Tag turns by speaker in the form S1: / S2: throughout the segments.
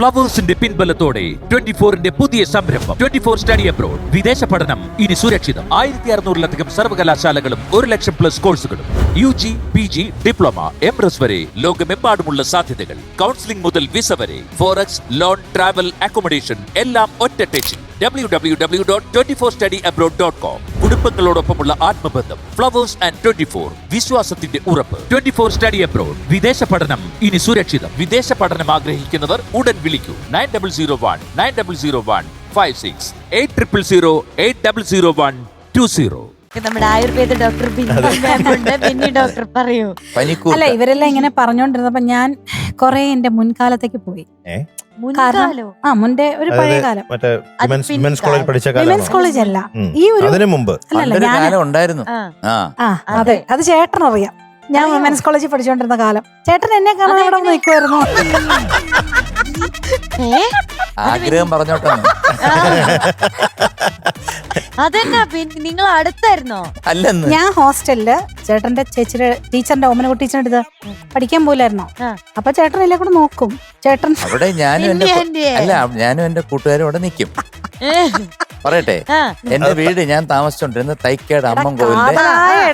S1: ഫ്ലവേഴ്സിന്റെ പിൻബലത്തോടെ 24ന്റെ പുതിയ സംരംഭം 24 study abroad. വിദേശ പഠനം ഇനി സുരക്ഷിതം. 1600-ലധികം സർവകലാശാലകളും 1,00,000+ കോഴ്സുകളും. UG, PG, ഡിപ്ലോമ, MRS വരെ ലോകമെമ്പാടുമുള്ള സാധ്യതകൾ. കൗൺസിലിംഗ് മുതൽ വിസ വരെ. ഫോറക്സ്, ലോൺ, ട്രാവൽ, അക്കോമഡേഷൻ എല്ലാം ഒറ്റ ടെച്ചിൽ. www.24studyabroad.com. കുടുംബങ്ങളോടൊപ്പമുള്ള ആത്മബന്ധം. ഫ്ലവേഴ്സ് ആൻഡ് 24 വിശ്വാസത്തിന്റെ ഉറപ്പ്. 24 സ്റ്റഡി അബ്രോഡ്. വിദേശ പഠനം ഇനി സുരക്ഷിതം. വിദേശ പഠനം ആഗ്രഹിക്കുന്നവർ ഉടൻ വിളിക്കൂ 9001 800 800120.
S2: നമ്മുടെ ആയുർവേദ ഡോക്ടർ ബിന്നി ഡോക്ടർ പറയൂ.
S3: അല്ല, ഇവരെല്ലാം ഇങ്ങനെ പറഞ്ഞോണ്ടിരുന്നപ്പോ ഞാൻ കൊറേ എന്റെ മുൻകാലത്തേക്ക് പോയി. മുൻപേ ഒരു പഴയ കാലം. വിമൻസ് കോളേജ് അല്ല, ഈ ഒരു
S4: ഉണ്ടായിരുന്നു.
S3: അതെ, അത് ചേട്ടനറിയാം. ഞാൻ വിമൻസ് കോളേജിൽ പഠിച്ചോണ്ടിരുന്ന കാലം. ചേട്ടൻ എന്നെ കാണാൻ ഇവിടെ നിൽക്കുമായിരുന്നു.
S4: ആഗ്രഹം പറഞ്ഞോട്ടെ.
S2: അതെന്നാ നിങ്ങൾ അടുത്തായിരുന്നോ?
S4: അല്ലെന്ന്.
S3: ഞാൻ ഹോസ്റ്റലില് ചേട്ടന്റെ ചേച്ചിയുടെ ടീച്ചറിന്റെ ഓമനകുട്ടി ടീച്ചറിന്റെ അടുത്ത് പഠിക്കാൻ പോലായിരുന്നോ. അപ്പൊ ചേട്ടൻ എല്ലാം കൂടെ നോക്കും. ചേട്ടൻ
S4: അവിടെ ഞാനും എന്റെ കൂട്ടുകാരും അവിടെ നിൽക്കും. പറയട്ടെ, എന്റെ വീട് ഞാൻ താമസിച്ചോണ്ടിരുന്ന തൈക്കേട് അമ്മൻ കോവിലിന്റെ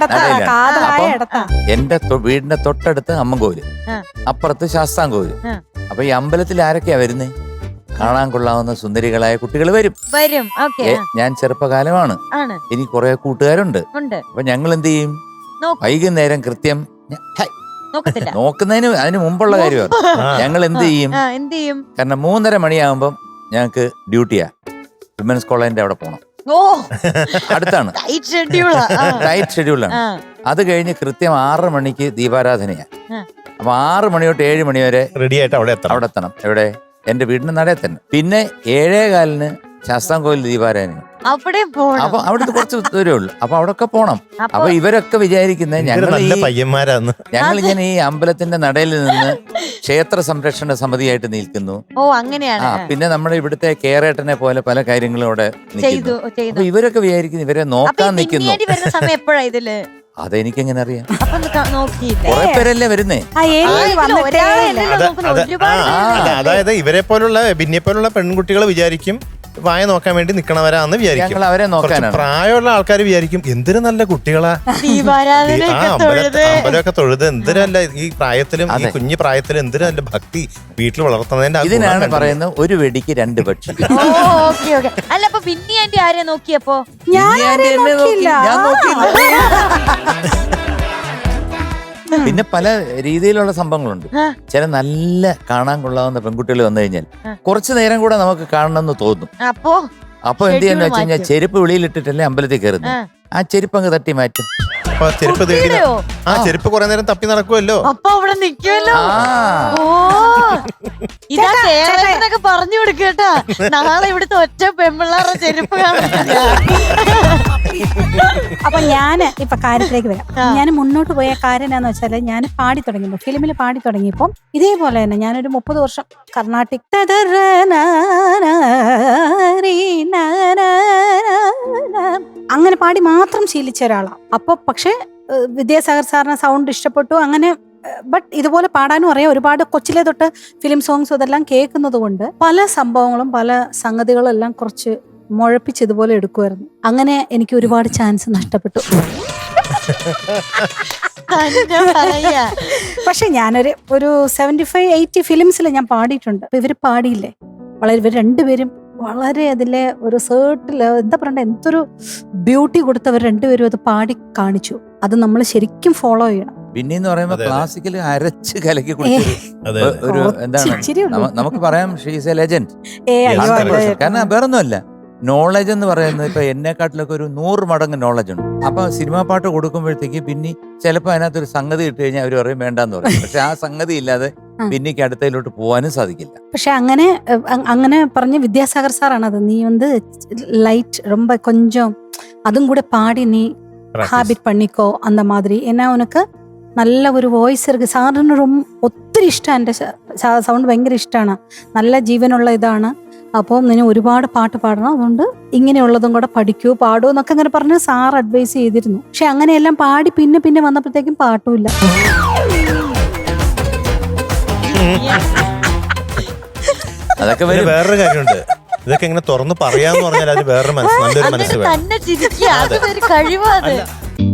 S4: എന്റെ വീടിന്റെ തൊട്ടടുത്ത് അമ്മൻ കോവില്, അപ്പുറത്ത് ശാസ്താംകോവില്. അപ്പൊ ഈ അമ്പലത്തിൽ ആരൊക്കെയാ വരുന്നേ? കാണാൻ കൊള്ളാവുന്ന സുന്ദരികളായ കുട്ടികൾ വരും. ഞാൻ ചെറുപ്പകാലമാണ്, എനിക്ക് കുറെ കൂട്ടുകാരുണ്ട്. അപ്പൊ ഞങ്ങൾ എന്ത് ചെയ്യും? വൈകുന്നേരം കൃത്യം നോക്കുന്നതിന് അതിന് മുമ്പുള്ള കാര്യമാണ്. ഞങ്ങൾ എന്ത് ചെയ്യും? കാരണം 3:30 മണിയാകുമ്പം ഞങ്ങക്ക് ഡ്യൂട്ടിയാ. വിമൻസ് കോളേജിന്റെ അവിടെ പോണം. അടുത്താണ്, ടൈറ്റ് ഷെഡ്യൂളാണ്. അത് കഴിഞ്ഞ് കൃത്യം 6 മണിക്ക് ദീപാരാധനയാ. അപ്പൊ 6 മണി തൊട്ട് 7 മണി വരെ റെഡി ആയിട്ട് അവിടെ എത്തണം. എവിടെ? എന്റെ വീടിന്റെ നടയിൽ തന്നെ. പിന്നെ 7:15 ശാസ്താംകോവിൽ ദീപാരാധന. അപ്പൊ അവിടുത്തെ കുറച്ച് ദൂരമേ ഉള്ളൂ. അപ്പൊ അവിടൊക്കെ പോണം. അപ്പൊ ഇവരൊക്കെ വിചാരിക്കുന്നത് ഞങ്ങളിങ്ങനെ ഈ അമ്പലത്തിന്റെ നടയിൽ നിന്ന് ക്ഷേത്ര സംരക്ഷണ സമിതിയായിട്ട് നിൽക്കുന്നു. പിന്നെ നമ്മുടെ ഇവിടുത്തെ കേരേട്ടനെ പോലെ പല കാര്യങ്ങളും അവിടെ നിൽക്കുന്നു. അപ്പൊ ഇവരൊക്കെ വിചാരിക്കുന്നു ഇവരെ നോക്കാൻ നിൽക്കുന്നു. അതെനിക്കെങ്ങനെ അറിയാം? കുറെ പേരല്ലേ വരുന്നേ.
S5: അതായത് ഇവരെ പോലുള്ള ബിന്നിയെ പോലുള്ള പെൺകുട്ടികൾ വിചാരിക്കും വായ നോക്കാൻ വേണ്ടി നിക്കണവരാന്ന് വിചാരിക്കും.
S4: അവരെ നോക്കാനാണ്.
S5: പ്രായമുള്ള ആൾക്കാർ വിചാരിക്കും എന്തൊരു നല്ല കുട്ടികളാ, അമ്പലമൊക്കെ തൊഴുത് എന്തിനല്ല ഈ പ്രായത്തിലും, ഈ കുഞ്ഞു പ്രായത്തിലും എന്തിനു നല്ല ഭക്തി വീട്ടിൽ വളർത്തുന്നതിന്റെ.
S4: ഇതിനാണ് പറയുന്നത് ഒരു വെടിക്ക് 2 പക്ഷി.
S2: അല്ല, അപ്പൊ ബിന്നി ആന്റി ആരെ നോക്കിയപ്പോ?
S4: ഞാൻ പിന്നെ പല രീതിയിലുള്ള സംഭവങ്ങളുണ്ട്. ചില നല്ല കാണാൻ കൊള്ളാവുന്ന പെൺകുട്ടികൾ വന്നു കഴിഞ്ഞാൽ കുറച്ചു നേരം കൂടെ നമുക്ക് കാണണമെന്ന് തോന്നും. അപ്പൊ എന്ത് ചെയ്യാന്ന് വെച്ച് കഴിഞ്ഞാൽ ചെരുപ്പ് വെളിയിലിട്ടിട്ടല്ലേ അമ്പലത്തിൽ കയറുന്നത്. ആ ചെരുപ്പ് അങ്ങ് തട്ടി മാറ്റും.
S5: ചെരുപ്പ് കുറെ നേരം തപ്പി നടക്കുമല്ലോ.
S2: അപ്പൊ അവിടെ നിൽക്കുമല്ലോ. ഇതാ കേരളത്തിനൊക്കെ പറഞ്ഞു കൊടുക്കട്ടാ, നാളെ ഇവിടുത്തെ ഒറ്റ പെമ്പിള്ളാരുടെ ചെരുപ്പ് കാണില്ല.
S3: അപ്പൊ ഞാൻ ഇപ്പൊ കാര്യത്തിലേക്ക് വരാം. ഞാൻ മുന്നോട്ട് പോയ കാര്യം എന്താന്ന് വെച്ചാല്, ഞാൻ പാടി തുടങ്ങിയപ്പോ, ഫിലിമിൽ പാടി തുടങ്ങിയപ്പോ ഇതേപോലെ തന്നെ ഞാനൊരു 30 വർഷം കർണാട്ടിക് അങ്ങനെ പാടി മാത്രം ശീലിച്ച ഒരാളാണ്. അപ്പൊ പക്ഷെ വിദ്യാസാഗർ സാറിന് സൗണ്ട് ഇഷ്ടപ്പെട്ടു. അങ്ങനെ ബട്ട് ഇതുപോലെ പാടാനും അറിയാം. ഒരുപാട് കൊച്ചിലെ തൊട്ട് ഫിലിം സോങ്സ് ഇതെല്ലാം കേൾക്കുന്നത് കൊണ്ട് പല സംഭവങ്ങളും പല സംഗതികളും എല്ലാം കുറച്ച് മുഴപ്പിച്ച് ഇതുപോലെ എടുക്കുമായിരുന്നു. അങ്ങനെ എനിക്ക് ഒരുപാട് ചാൻസ് നഷ്ടപ്പെട്ടു. പക്ഷെ ഞാനൊരു 75-80 ഫിലിംസിൽ ഞാൻ പാടിയിട്ടുണ്ട്. അപ്പൊ ഇവര് പാടിയില്ലേ, ഇവർ രണ്ടുപേരും വളരെ അതിലെ ഒരു സേർട്ടില് എന്താ പറയണ്ട, എന്തൊരു ബ്യൂട്ടി കൊടുത്തവർ രണ്ടുപേരും അത് പാടി കാണിച്ചു. അത് നമ്മൾ ശരിക്കും ഫോളോ ചെയ്യണം.
S4: പിന്നെന്ന് പറയുമ്പോ ക്ലാസിക്കൽ അരച്ച് കലക്കി ഒരു എന്താണ് നമുക്ക് പറയാം, ഷീസ് എ ലെജൻഡ്. കാരണം വേറൊന്നുമല്ല, നോളജ് എന്ന് പറയുന്നത് ഇപ്പൊ എന്നെക്കാട്ടിലൊക്കെ ഒരു 100 മടങ്ങ് നോളജ് ഉണ്ട്. അപ്പൊ സിനിമാ പാട്ട് കൊടുക്കുമ്പോഴത്തേക്ക് പിന്നെ ചിലപ്പോ അതിനകത്തൊരു സംഗതി ഇട്ട് കഴിഞ്ഞാൽ അവർ പറയും വേണ്ടാന്ന് പറയും. പക്ഷെ ആ സംഗതി ഇല്ലാതെ പിന്നിക്ക് അടുത്തതിലോട്ട് പോകാനും സാധിക്കില്ല.
S3: പക്ഷെ അങ്ങനെ പറഞ്ഞ വിദ്യാസാഗർ സാറാണത്. നീ ലൈറ്റ് ரொம்ப கொஞ்சம் അതും കൂടെ പാടി നീ ഹാബിറ്റ് പണിക്കോ അന്ന മാതിരി എന്നാ ഉനക്ക് നല്ല ഒരു വോയിസ് ഇருக்கு. സാറിന് ഒത്തിരി ഇഷ്ടമാണ്, എൻ്റെ സൗണ്ട് ഭയങ്കര ഇഷ്ടമാണ്, നല്ല ജീവനുള്ള ഇതാണ്. അപ്പോൾ നിന്നെ ഒരുപാട് പാട്ട് പാടണം, അതുകൊണ്ട് ഇങ്ങനെയുള്ളതും കൂടെ പഠിക്കൂ പാടൂ എന്നൊക്കെ അങ്ങനെ പറഞ്ഞ് സാർ അഡ്വൈസ് ചെയ്തിരുന്നു. പക്ഷെ അങ്ങനെയെല്ലാം പാടി പിന്നെ വന്നപ്പോഴത്തേക്കും പാട്ടുമില്ല.
S4: അതൊക്കെ
S5: പിന്നെ
S4: വരും.
S5: വേറൊരു കാര്യമുണ്ട്, ഇതൊക്കെ ഇങ്ങനെ തുറന്ന് പറയാന്ന് പറഞ്ഞാൽ അതിന് വേറൊരു മനസ്സ്, നല്ലൊരു മനസ്സ് വേണം.
S2: തന്നെ ചിരിക്കുക, അത് ഒരു കഴിവാണ്.